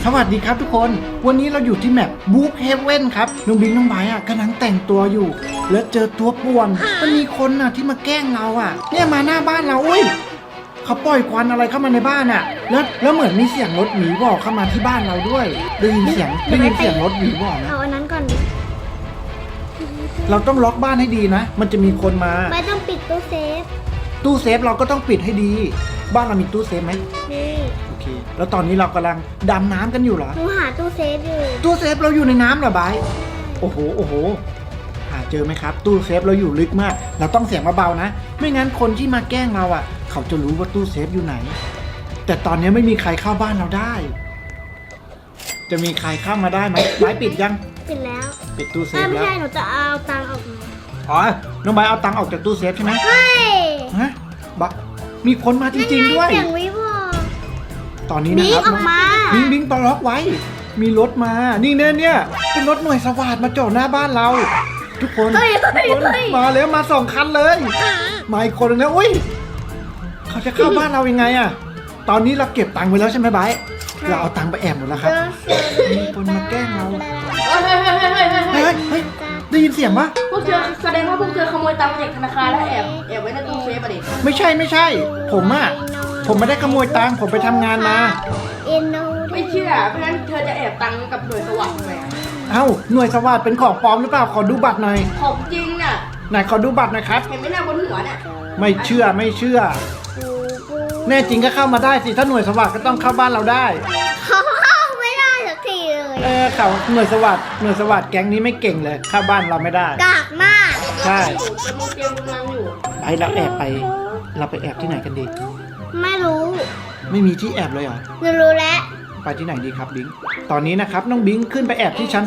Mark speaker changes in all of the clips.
Speaker 1: สวัสดีครับทุกคนวันนี้เราอยู่ที่แมปบูฟเฮเว่นครับน้องบิงน้องไบร์กำลังแต่งตัวอยู่แล้วเจอตัวป่วนมันมีคนที่มาแกล้งเราเนี่ยมาหน้าบ้านเราอุ้ยเขาปล่อยควันอะไรเข้ามาในบ้านแล้วเหมือนมีเสียงรถหวีบอกเข้ามาที่บ้านเราด้วยได้ยินเสียงรถหวีบอกนะ
Speaker 2: เอาอันนั้นก่อนดิ
Speaker 1: เราต้องล็อกบ้านให้ดีนะมันจะมีคนมา
Speaker 2: ไม่ต้องปิดตู้เซฟ
Speaker 1: ตู้เซฟเราก็ต้องปิดให้ดีบ้านเรามีตู้เซฟไหม
Speaker 2: นี่
Speaker 1: โอเคแล้วตอนนี้เรากำลังดำน้ำกันอยู่เหรอ
Speaker 2: หนูหาตู้เซฟอยู่
Speaker 1: ตู้เซฟเราอยู่ในน้ำเหรอไบร์ทโอ้โหหาเจอไหมครับตู้เซฟเราอยู่ลึกมากเราต้องเสียงเบาๆนะไม่งั้นคนที่มาแกล้งเราเขาจะรู้ว่าตู้เซฟอยู่ไหนแต่ตอนนี้ไม่มีใครเข้าบ้านเราได้ จะมีใครเข้ามาได้ไหมไบร์ทปิดยัง
Speaker 2: ปิดแล้ว
Speaker 1: ปิดตู้เซฟ
Speaker 2: ไม่
Speaker 1: แล้ว
Speaker 2: ใช่หนูจะเอาตังค์ออกมา
Speaker 1: อ๋อน้องไบร์ทเอาตังค์ออกจากตู้เซฟใช่ไหม
Speaker 2: เฮ้ย
Speaker 1: ฮะบะมีคนมาจริงๆด้วย
Speaker 2: เสียงวิวอ
Speaker 1: ตอนนี้นะครับ
Speaker 2: บิ๊กออกมา
Speaker 1: บิงตอนล็อกไว้มีรถมานี่เนี่ยเป็นรถหน่วยสวัสดิ์มาจอดหน้าบ้านเรา ทุกคนมาแล้วมา2 คันเลยมาอีกคนนึงนะอุ้ยเขาจะเข้าบ้านเรายังไงตอนนี้เราเก็บตังค์ไว้แล้วใช่ไหมไบร์ทเราเอาตังค์ไปแอบหมดแล้วครับมีคนมาแกล้งเราเฮ้ยได้ยินเสียงปะ
Speaker 3: พวกเธอแสดงว่าพวกเธอขโมยตังค์มาจากธนาคารแล้วแอบไว้ในตู้เซฟอะดิ
Speaker 1: ไม่ใช่ผมไม่ได้ขโมยตังค์ผมไปทำงานมา
Speaker 3: ไม่เชื่อเพราะงั้นเธอจะแอบตังค์กับหน่วยสวัสดิ์ทำไมอะ
Speaker 1: เอ้าหน่วยสวัสดิ์เป็นของปลอมหรือเปล่าขอดูบัตรหน่อย
Speaker 3: ของจริงน่ะ
Speaker 1: ไหนขอดูบัตรหน่อยครับ
Speaker 3: เห็นไหมหน้าบนหัวเนี่ย
Speaker 1: ไม่เชื่อแน่จริงก็เข้ามาได้สิถ้าหน่วยสวัสดิ์ก็ต้องเข้าบ้านเราได้
Speaker 2: เขาเข้าไม่ได้สักทีเลย
Speaker 1: เขาหน่วยสวัสดิ์แก๊งนี้ไม่เก่งเลยเข้าบ้านเราไม่ได้
Speaker 2: กากมาก
Speaker 1: ใช่
Speaker 3: โอ้โหจะมีเตรียมกำลังอยู่
Speaker 1: เราไปแอบที่ไหนกันดี
Speaker 2: ไม่รู้
Speaker 1: ไม่มีที่แอบเลยเหรอ
Speaker 2: หนูรู้แล้ว
Speaker 1: ไปที่ไหนดีครับบิงตอนนี้นะครับน้องบิงขึ้นไปแอบที่ชั้น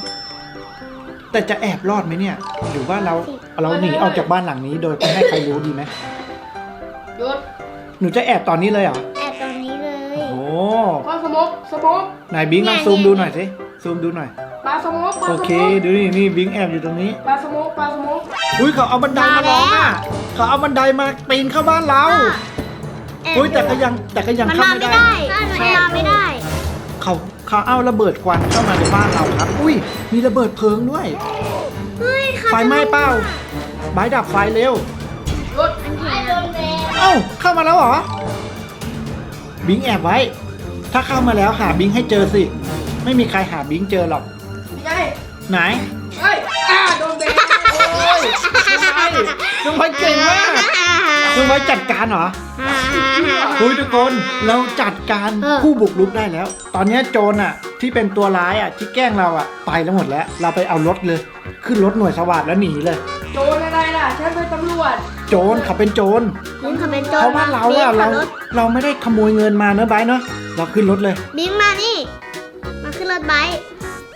Speaker 1: 2แต่จะแอบรอดไหมเนี่ยหรือว่าเราหนีออกจากบ้านหลังนี้โดยไม่ให้ใครรู้ดีไหม
Speaker 3: หยุด
Speaker 1: หนูจะแอบตอนนี้เลยเหรอ
Speaker 2: แอบตรงนี้เลย
Speaker 1: โอ้
Speaker 3: ปลาสโมก
Speaker 1: ไหนบิงลองซูมดูหน่อยสิซูมดูหน่อย
Speaker 3: ปลาสโมก
Speaker 1: โอเคดูนี่บิงแอบอยู่ตรงนี้
Speaker 3: ปลาสโมก
Speaker 1: อุ้ยเขาเอาบันไดมาล้อมเขาเอาบันไดมาปีนเข้าบ้านเรา
Speaker 2: แอบ
Speaker 1: อุ้ยแต่ก็ยัง
Speaker 2: มัน
Speaker 1: เข้า
Speaker 2: มา
Speaker 1: ไม่
Speaker 2: ไม่
Speaker 1: ได้
Speaker 2: ได้มันมาไม่ได้
Speaker 1: เขาเอาระเบิดควันเข้ามาในบ้านเราครับ อุ้ยมีระเบิดเพลิงด้วย
Speaker 2: เฮ้ย
Speaker 1: ไฟไหม้เปล่าบายดับไฟเร็ว
Speaker 3: หยุดไอ้โดนแดง
Speaker 1: เอ้าเข้ามาแล้วเหรอบิงแอบไว้ ถ้าเข้ามาแล้วหาบิงให้เจอสิไม่มีใครหาบิงเจอหรอก
Speaker 3: ใช่
Speaker 1: ไหน
Speaker 3: เฮ้ยโดนแดง
Speaker 1: โอ้ยน้องไว้เก่งมากน้องไว้จัดการเหรอคุยทุกคนเราจัดการผู้บุกรุกได้แล้ว ตอนนี้โจรที่เป็นตัวร้ายที่แกล้งเราไปแล้วหมดแล้วเราไปเอารถเลยขึ้นรถหน่วยสวัสดิ์แล้วหนีเลย
Speaker 3: โจรอะไรล่ะฉันเป็นตำรวจ
Speaker 1: โจรเขาเป็นโจร
Speaker 2: บิงเขาเป็นโจร
Speaker 1: เพราะว่าเราไม่ได้ขโมยเงินมาเนอะไบร์ทเนอะเราขึ้นรถเลย
Speaker 2: บิงมานี่ มาขึ้นรถไบค์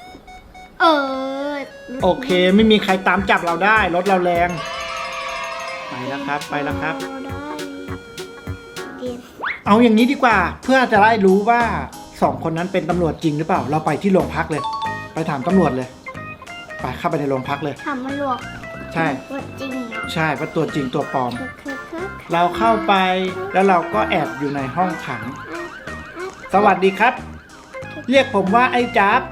Speaker 1: โอเคไม่มีใครตามจับเราได้รถเราแรงไปแล้วครับเอาอย่างนี้ดีกว่าเพื่อจะได้รู้ว่า2 คนนั้นเป็นตำรวจจริงหรือเปล่าเราไปที่โรงพักเลย ไปถามตำรวจเลยไปเข้าไปในโรงพักเลย
Speaker 2: ถามมันหลวก
Speaker 1: ใช่
Speaker 2: ว่าจริงเหรอ
Speaker 1: ใช่ว่าตัวจริงตัวปลอม เราเข้าไปแล้วเราก็แอบอยู่ในห้องขังสวัสดีครับ เรียกผมว่าไอ้จ๊าบ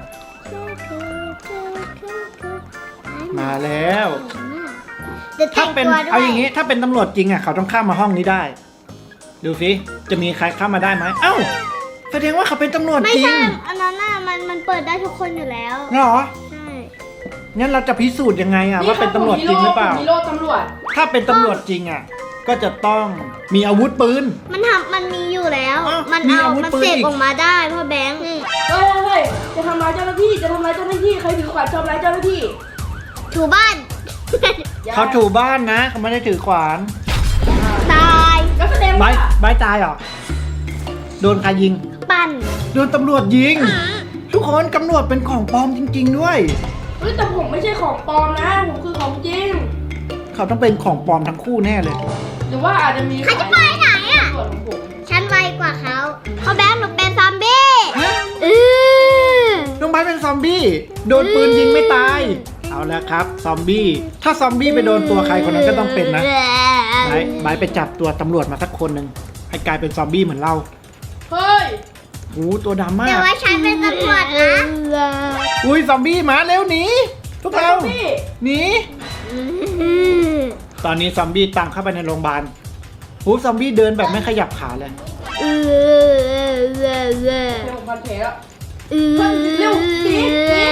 Speaker 1: มาแล้วถ้าเป็นเอาอย่างนี้ถ้าเป็นตำรวจจริงเขาต้องเข้ามาห้องนี้ได้ดูสิจะมีใครเข้ามาได้ไหมเอ้าแสดงว่าเขาเป็นตำรวจ
Speaker 2: ไม่
Speaker 1: จริง
Speaker 2: ใช่อันนั้นมันเปิดได้ทุกคนอยู่แล้ว
Speaker 1: เหรอ
Speaker 2: ใช่
Speaker 1: งั้นเราจะพิสูจน์ยังไงว่าเป็นตำรวจจริงหรือเปล่า
Speaker 3: มีโล่ตำรวจ
Speaker 1: ถ้าเป็นตำรวจจริงก็จะต้องมีอาวุธปืน
Speaker 2: มันมีอยู่แล้ว
Speaker 1: อ้าว
Speaker 2: มัน
Speaker 1: มี
Speaker 2: เอา
Speaker 1: อาวุธ
Speaker 2: มัน
Speaker 1: ปืน
Speaker 2: เสก
Speaker 1: อีก
Speaker 2: ออกมาได้พ่อแบงค์
Speaker 3: เฮ้ยจะทำร้ายเจ้าหน้าที่ใครถือขวานทำร้ายเจ้าหน้าที่
Speaker 2: ถูบ้าน
Speaker 1: เขาถูบ้านนะเขาไม่ได้ถือขวาน
Speaker 2: ตาย
Speaker 3: ก็แสดง
Speaker 1: ใบ
Speaker 3: ว่า
Speaker 1: ใบตายเหรอโดนใครยิง
Speaker 2: ปั่น
Speaker 1: โดนตำรวจยิง ทุกคนตำรวจเป็นของปลอมจริง ๆด้วย
Speaker 3: เฮ้ยแต่ผมไม่ใช่ของปลอมนะผมคือของจริง
Speaker 1: เขาต้องเป็นของปลอมทั้งคู่แน่เลย
Speaker 3: หรือว่าอาจจะมี
Speaker 2: ใครจะไปไหนอ่ะ
Speaker 3: ส่วนของผม
Speaker 2: ฉันไวกว่าเขาพ่อแบงค์หนูเป็นซอมบี้
Speaker 1: ฮะ
Speaker 2: อ
Speaker 1: น้องใบเป็นซอมบี้โดนปืนยิงไม่ตาย เอาแล้วครับซอมบี้ถ้าซอมบี้ไปโดนตัวใครคนนั้นก็ต้องเป็นนะใบไปจับตัวตำรวจมาสักคนหนึ่งให้กลายเป็นซอมบี้เหมือนเรา
Speaker 3: เฮ้ย
Speaker 1: โอ้ตัวดำมา
Speaker 2: แต่
Speaker 1: ก
Speaker 2: ว่าฉันเป็นตำรวจนะ
Speaker 1: อุ้ยซอมบี้มาเร็วหนีพวกเรา
Speaker 3: พี่
Speaker 1: หนีตอนนี้ซอมบี้ตั้งเข้าไปในโรงพยาบาลโอ้ซอมบี้เดินแบบไม่ขยับขาเลย
Speaker 3: เดี๋ยวผมพันแผลแล้วเร็วหนี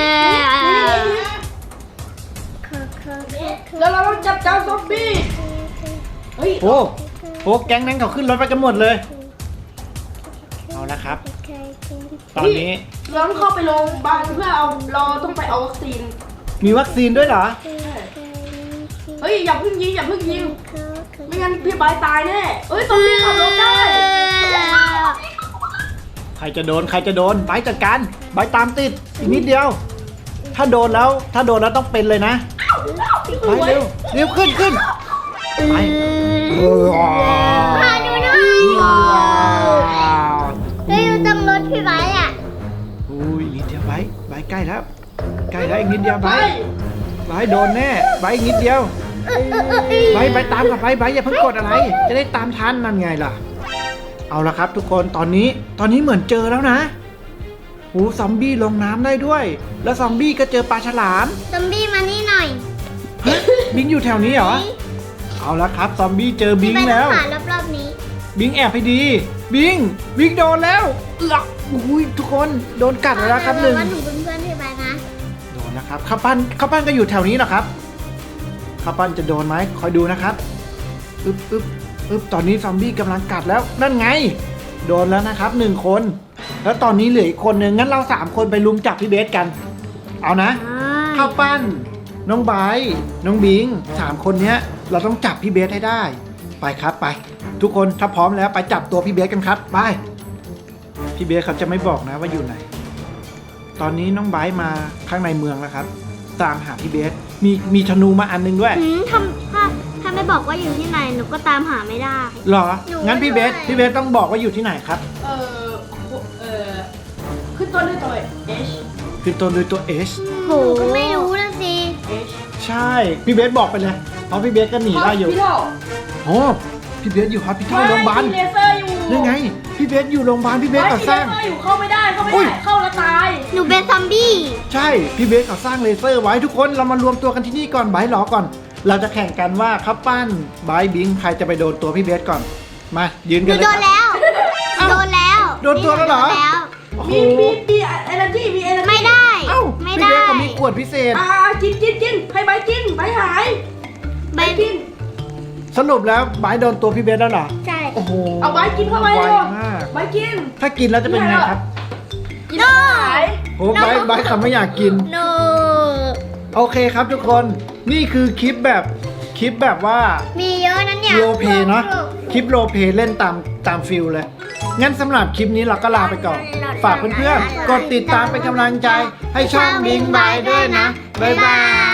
Speaker 3: แล้วเราต้องจับเจ้าซอมบี้เฮ้ย
Speaker 1: โอ้โหแก๊งนั้นเขาขึ้นรถไปกันหมดเลย เอาละครับ ตอนนี้
Speaker 3: เราต้องเข้าไปโรงพยาบาลเพื่อเอาเราต้องไปเอาวัคซีน
Speaker 1: มีวัคซีนด้วยเหรอ
Speaker 3: เฮ้ยอย่าเพิ่งยิงไม่งั้นพี่บายตายแน่เฮ้ยซอมบี้ขับรถได้
Speaker 1: ใครจะโดนไบร์ทจัดการไบร์ทตามติดอีกนิดเดียว ถ้าโดนแล้วต้องเป็นเลยนะไปเร็วเร็วขึ้นไป
Speaker 2: พาดูหน่อยเฮ้ยอยู่ตรงรถพี่ไว้อะ
Speaker 1: อุ้ยนิดเดียวไบร์ทใกล้แล้วอีกนิดเดียวไบร์ทโดนแน่ไบร์ทอีกนิดเดียวไบร์ทตามกับไบร์ทอย่าเพิ่งกดอะไร จะได้ตามทันนั่นไงล่ะ เอาละครับทุกคนตอนนี้เหมือนเจอแล้วนะโอ้ซอมบี้ลงน้ำได้ด้วย แล้วซอมบี้ก็เจอปลาฉลาม
Speaker 2: ซอมบี้มานี่หน่อย
Speaker 1: ฮะบิงอยู่แถวนี้เหรอ เอาละครับซอมบี้เจอบิง
Speaker 2: พี่ไว้
Speaker 1: แล้ว
Speaker 2: ต้องหารอบๆนี้
Speaker 1: บิงแอบให้ดี บิงโดนแล้วหลักอุ้ยทุกคนโดนกัดแล้วครับหนึ่ง
Speaker 2: ว่าหนูเป็นเพื่อนพี่ไว้นะ
Speaker 1: โดนนะครับข้าวปั้นก็อยู่แถวนี้เหรอครับข้าวปั้นจะโดนไหมคอยดูนะครับอึ๊บตอนนี้ซอมบี้กำลังกัดแล้วนั่นไง โดนแล้วนะครับ1 คน แล้วตอนนี้เหลืออีกคนนึงงั้นเรา3 คนไปลุมจับพี่เบสกัน เอานะข้าวปั้นน้องไบร์ทน้องบิง3 คนเนี้ยเราต้องจับพี่เบสให้ได้ไปครับไป ทุกคนถ้าพร้อมแล้วไปจับตัวพี่เบสกันครับไปพี่เบสเขาจะไม่บอกนะว่าอยู่ไหน ตอนนี้น้องไบร์ทมาข้างในเมืองแล้วครับตามหาพี่เบสมีธนูมาอันนึงด้วย
Speaker 2: ถ้าไม่บอกว่าอยู่ที่ไหนหนูก็ตามหาไม่ได้
Speaker 1: หรอ
Speaker 2: หนู
Speaker 1: งั้นพี่เบส
Speaker 2: ไม่รู้
Speaker 1: พี่เบสต้องบอกว่าอยู่ที่ไหนครับ
Speaker 3: ขึ้นต้นด้วยตัว H
Speaker 1: คือตัวด้วยตัว H
Speaker 2: โหก็ไม่รู้นะสิ
Speaker 3: H
Speaker 1: ใช่ พี่เบสบอกไปเลย เพราะพี่เบสก็หนีได้อยู่
Speaker 3: พี่โล
Speaker 1: โอ้พี่เบสอยู่ฮอสพิทอลโรงพยาบาล
Speaker 3: เลเซอร์อยู่
Speaker 1: นี่ไง พี่เบสอยู่โรงพยาบาล พี่เบสก่อสร้าง
Speaker 3: เลเซอร์อยู่เข้าไม่ได้
Speaker 1: อุ้ย
Speaker 3: เข้าแล้วตาย
Speaker 2: หนูเป็นซอมบี้
Speaker 1: ใช่ พี่เบสก่อสร้างเลเซอร์ไว้ทุกคน เรามารวมตัวกันที่นี่ก่อนไบร์ทรอก่อน เราจะแข่งกันว่าข้าวปั้นไบร์ทบิงใครจะไปโดนตัวพี่เบสก่อน มายืน
Speaker 2: ห
Speaker 1: กั
Speaker 2: นู
Speaker 1: นเลย
Speaker 2: โด
Speaker 1: คน รับ
Speaker 2: แล้ว
Speaker 1: เอ้า
Speaker 2: โดนแล้ว
Speaker 1: โดนตัวแล้วเหรอ
Speaker 2: โดนแล้ว
Speaker 1: โอ้โห
Speaker 3: มีเอเนจีมีเอเนจี
Speaker 2: ไม่ได้
Speaker 1: เอ้า
Speaker 2: ไม่
Speaker 1: พี่
Speaker 2: ได้
Speaker 1: เบสเขามีขวดพิเศษ
Speaker 3: กินให้ใบกินใบหาย
Speaker 2: ใบ
Speaker 3: กิน
Speaker 1: สรุปแล้วไบร์ทโดนตัวพี่เบสแล้วเหรอ
Speaker 2: ใช่
Speaker 1: โอ้โห
Speaker 3: เอาใบกินเข้าไป
Speaker 1: ไว
Speaker 3: เลย
Speaker 1: มาก
Speaker 3: ใบกิน
Speaker 1: ถ้ากินแล้วจะเป็นไงครับ
Speaker 3: กินหาย
Speaker 1: โอ้ไบร์ทเขาไม่อยากกิน
Speaker 2: โน
Speaker 1: โอเคครับทุกคน นี่คือคลิปแบบว่า
Speaker 2: มีเยอะนะเนี่ย
Speaker 1: โรลเพลย์เนาะ คลิปโรลเพลย์เล่นตามฟิลเลย งั้นสำหรับคลิปนี้เราก็ลาไปก่อน ฝากเพื่อนๆ กดติดตามเป็นกำลังใจ ให้ช่องบิงบายด้วยนะ บ๊ายบาย